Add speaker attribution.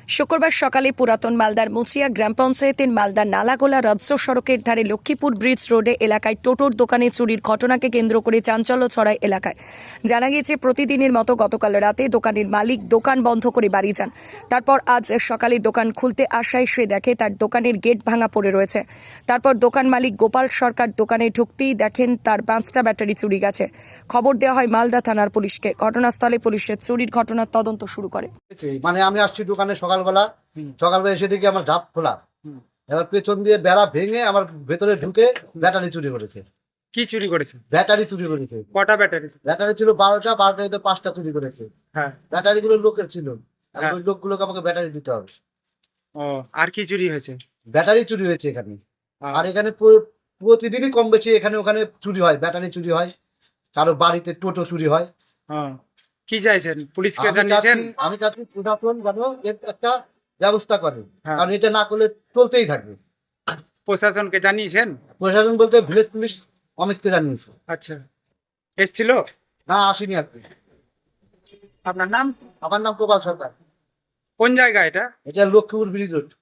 Speaker 1: শুক্রবার সকালে পুরাতন মালদার মুচিয়া গ্রাম পঞ্চায়েতের মালদা নালাগোলা রাজ্য সড়কের ধারে লক্ষ্মীপুর ব্রিজ রোডে এলাকায় টোটোর দোকানে চুরির ঘটনাকে কেন্দ্র করে চাঞ্চল্য ছড়ায় এলাকায়। জানা গিয়েছে, প্রতিদিনের মতো গতকাল রাতে দোকানের মালিক দোকান বন্ধ করে বাড়ি যান। তারপর আজ সকালে দোকান খুলতে আসায় সে দেখে তার দোকানের গেট ভাঙা পড়ে রয়েছে। তারপর দোকান মালিক গোপাল সরকার দোকানে ঢুকতেই দেখেন তার 5টা ব্যাটারি চুরি গেছে। খবর দেওয়া হয় মালদা থানার পুলিশকে। ঘটনাস্থলে পুলিশের চুরির ঘটনার তদন্ত শুরু করে।
Speaker 2: মানে আমি আসছি দোকানে সকালবেলা এসে দেখি আমার ঝাপ খোলা। এবার পেছন দিয়ে বেড়া ভেঙে আমার ভেতরে ঢুকে ব্যাটারি চুরি করেছে।
Speaker 3: কি চুরি করেছে?
Speaker 2: ব্যাটারি চুরি করেছে।
Speaker 3: কটা ব্যাটারি?
Speaker 2: ব্যাটারি ছিল 12টা 5টা চুরি করেছে।
Speaker 3: হ্যাঁ।
Speaker 2: ব্যাটারি গুলো লোকের ছিল।
Speaker 3: হ্যাঁ।
Speaker 2: ওই লোকগুলোকে আমাকে ব্যাটারি দিতে হবে।
Speaker 3: ও, আর কি চুরি হয়েছে?
Speaker 2: ব্যাটারি চুরি হয়েছে এখানে। আর এখানে প্রতিদিনই কম বেশি এখানে ওখানে চুরি হয়, ব্যাটারি চুরি হয়, কারো বাড়িতে টোটো চুরি হয়।
Speaker 3: কি চাইছেন? পুলিশকে জানিয়েছেন?
Speaker 2: আমি চাচ্ছি প্রশাসন যেন এর একটা ব্যবস্থা করে,
Speaker 3: হ্যাঁ।
Speaker 2: কারণ এটা না করলে চলতেই থাকবে।
Speaker 3: প্রশাসনকে জানিয়েছেন?
Speaker 2: প্রশাসন বলতে ভিলেজ পুলিশ অমিতকে জানিয়েছে।
Speaker 3: আচ্ছা, এসছিল?
Speaker 2: না, আসেনি আর কি।
Speaker 3: আপনার নাম?
Speaker 2: আমার নাম গোপাল সরকার।
Speaker 3: কোন জায়গা এটা?
Speaker 2: এটা লক্ষ্মীপুর ব্রিজ রোড।